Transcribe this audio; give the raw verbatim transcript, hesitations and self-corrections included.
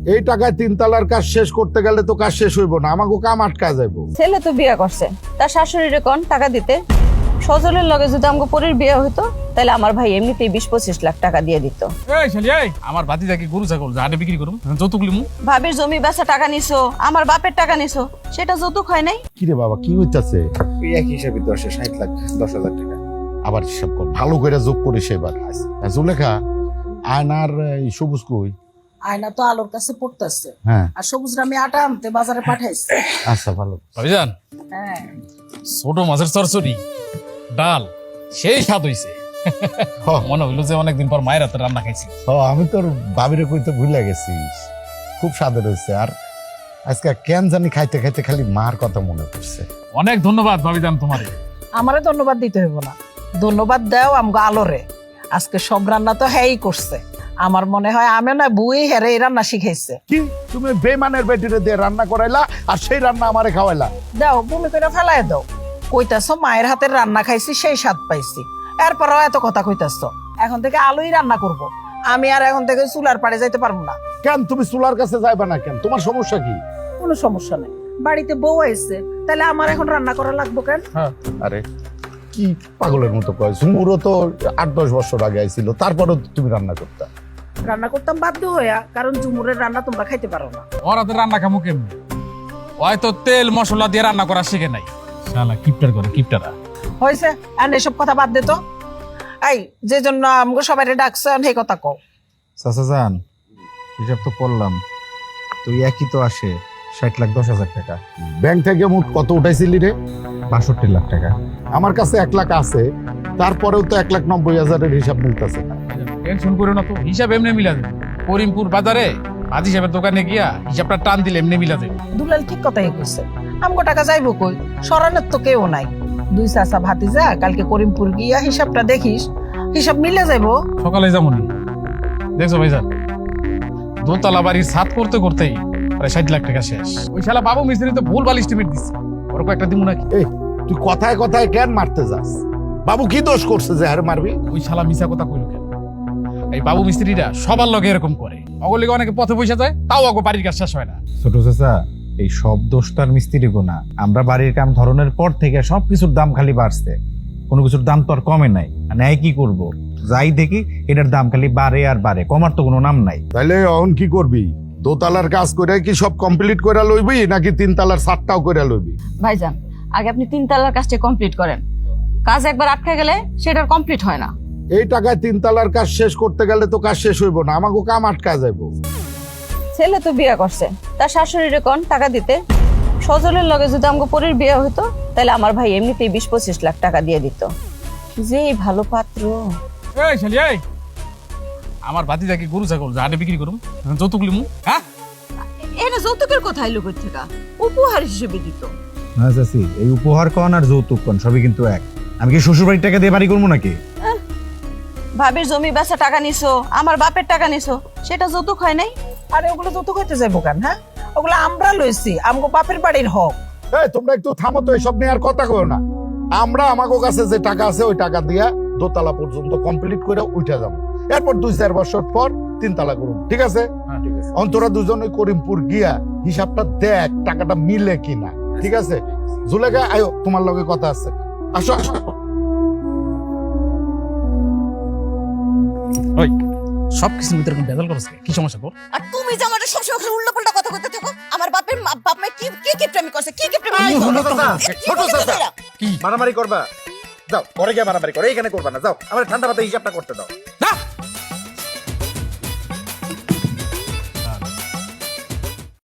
এই টাকায় তিন তালার কাজ শেষ করতে গেলে তো কাজ শেষ হইব না, আমাকে কাম আটকা যাইব। ছেলে তো বিয়ে করছে, তার শাশুড়িরে কোন টাকা দিতে। সজলের লগে যদি আমগো পরির বিয়ে হইতো তাহলে আমার ভাই এমনিতেই বিশ পঁচিশ লাখ টাকা দিয়ে দিত। এই শালি এই আমার ভাতিজাকে গরু ছাগল জাটে বিক্রি করুম, যৌতুক লিমু। ভাবির জমি বেচা টাকা নিছো, আমার বাপের টাকা নিছো, সেটা যৌতুক হয় নাই? কি রে বাবা, কি হইতাছে? ওই একই হিসাবে দশে ষাট লাখ দশ হাজার টাকা। আবার হিসাব কর, ভালো করে যোগ করিস এবার। জুলেখা, আয়নার এই সবুজ কই? আয়না তো আলোর কাছে পড়তেছে, হ্যাঁ আর সবুজ আমি আটা আনতে বাজারে পাঠাইছি। আচ্ছা ভালো। ভাবিজান, হ্যাঁ ছোট মাছের চরচড়ি ডাল সেই স্বাদ হইছে। হ, মনে হইলো যে অনেকদিন পর মায়ের হাতে রান্না খাইছি। হ, আমি তোর বাবিরে কইতে ভুলে গেছি, খুব স্বাদের হয়েছে। আর আজকে কেন জানি খাইতে খাইতে খালি মার কথা মনে পড়ছে। অনেক ধন্যবাদ ভাবিজান তোমারে। আমারে ধন্যবাদ দিতে হইব না, ধন্যবাদ দাও আমগো আলোরে। আজকে সব রান্না তো হ্যাঁই করছে। আমার মনে হয় আমি না বুই হেরে এই রান্না শিখাইছে। কি তুমি বেমানের বেটিরে দিয়ে রান্না করাইলা আর সেই রান্না আমারে খাওয়াইলা? দাও বমি করে ফেলাই দাও। কইতাছ মায়ের হাতের রান্না খাইছি সেই স্বাদ পাইছি, এরপরও এত কথা কইতাছ। এখন থেকে আলুই রান্না করব, আমি আর এখন থেকে চুলার পাড়ে যাইতে পারবো না। কেন তুমি চুলার কাছে যাইবা না কেন? তোমার সমস্যা কি? কোনো সমস্যা নেই, বাড়িতে বউ আইছে, তাহলে আমার এখন রান্না করা লাগবো কেন? আরে কি পাগলের মতো কয়, ঝুমুরও তো আট দশ বছর আগে আইছিল, তারপরেও তুমি রান্না করতা। রান্না করতাম বাধ্য হইয়া, কারণ ঝুমুরের রান্না তোমরা খাইতে পারো না। ওর হাতে রান্না খামু কেমনি? হয়তো তেল মশলা দিয়ে রান্না করা শিখে নাই। শালা কিপটার করে কিপটারা। হয়েছে, আর এসব কথা বাদ দে তো। এই যে জন্য আমগো সবাই ডাকছে সেই কথা কও। চাচা যান, হিসাব তো করলাম, তুই একই তো আসে ষাট লাখ দশ হাজার টাকা। ব্যাংক থেকে মোট কত উঠাইছিলি রে? বাষট্টি লাখ টাকা। আমার কাছে এক লাখ আছে, তারপরেও তো এক লাখ নব্বই হাজারের হিসাব মিলতেছে না। টেনশন করে না তো, হিসাব এমনি মিলা দেবে। করিমপুর বাজারে হাজি সাহেবের দোকানে গিয়া হিসাবটা টান দিলে এমনি মিলা দেবে। দুলাল ঠিক কথাই কইছে, আমগো টাকা যাইবো কই? সরানোর তো কেউ নাই। দুই চাচা ভাতিজা কালকে করিমপুর গিয়া হিসাবটা দেখিস, হিসাব মিলে যাইবো। সকালে যেমন দেখছো ভাইজান, দোতলা বাড়ির ছাদ করতে করতেই প্রায় ষাট লাখ টাকা শেষ। ওই শালা বাবু মিস্ত্রি তো ভুল ভাল এস্টিমেট দিচ্ছে, ওরকম একটা দিমু নাকি? এই তুই কথায় কথায় কেন মারতে যাস? বাবু কি দোষ করছে যে হারে মারবি? ওই শালা মিছা কথা কইল কেন? এই বাবু মিস্ত্রিরা সবার লগে এরকম করে। অগলিকে অনেকে পথে পয়সা যায়, তাও অগো বাড়ির কাজ শেষ হয় না। ছোট চাচা, এই সব দোষ তার মিস্ত্রি গোনা। আমরা বাড়ির কাম ধরনের পর থেকে সবকিছুর দাম খালি বাড়ছে, কোনো কিছুর দাম তো আর কমে নাই। ন্যায় কি করব, যাই দেখি এটার দাম খালি বাড়ে আর বাড়ে, কমার তো কোনো নাম নাই। তাইলে এখন কি করবি? দোতলার কাজ করে কি সব কমপ্লিট করে লইবি নাকি তিন তালার সাতটাও করে লইবি? ভাইজান, আগে আপনি তিন তালার কাজটা কমপ্লিট করেন। কাজ একবার আটকে গেলে সেটা কমপ্লিট হয় না। এই টাকায় তিন তালার কাজ শেষ করতে গেলে তো কাজ শেষ হইব না, আমাকে কাম আটকা যাইব। ছেলে তো বিয়ে করছে, তার শাশুড়িরে কোন টাকা দিতে। সজলের লগে যদি আমগো পরির বিয়ে হইতো তাহলে আমার ভাই এমনিতেই বিশ পঁচিশ লাখ টাকা দিয়ে দিত। যে ভালো পাত্র। এই শালি এই আমার ভাতিজাকে গরু ছাগল জাটে বিক্রি করুম, যৌতুক লিমু। হ্যাঁ এটা যৌতুকের কথা এলো কই থেকে? উপহার হিসেবে দিত। না চাচি, এই উপহার কন আর যৌতুক কন সবই কিন্তু এক। আমি কি শ্বশুর বাড়ির টাকা দিয়ে বাড়ি করবো নাকি? ভাবির জমি বেচা টাকা নিছো, আমার বাপের টাকা নিছো, সেটা যৌতুক হয় নাই? আরে ওগুলো যৌতুক হইতে যাইবো কেন? হ্যাঁ, ওগুলো আমরা লইছি, আমগো বাপের বাড়ির হক। এই তোমরা একটু থামো তো, এসব নিয়ে আর কথা কও না। আমরা আমাকে কাছে যে টাকা আছে ওই টাকা দিয়া দোতলা পর্যন্ত কমপ্লিট করে উঠে যাবো, এরপর দুই চার বছর পর তিন তালা করুন, ঠিক আছে? ঠিক আছে। অন্তরা দুজনে করিমপুর গিয়া হিসাবটা দেখ টাকাটা মিলে কিনা, ঠিক আছে? জুলেখা, আয়ো, তোমার লগে কথা আছে, আসো আসো। ওই সবকিছুর ভিতরে বেজাল করছ, কি সমস্যা তোর? আর তুমি যে আমাদের সবসময় খালি উল্টাপাল্টা কথা কইতে থাকো। আমার বাপের মা- বাপ মা কি কি কিপটামি করছে, কি কিপটামি করছে? ছোট চাচা, কি মারামারি করবা? যাও ঘরে গিয়ে মারামারি করো, এখানে করবা না। যাও আমার ঠান্ডা মাথায় হিসাবটা করতে দাও।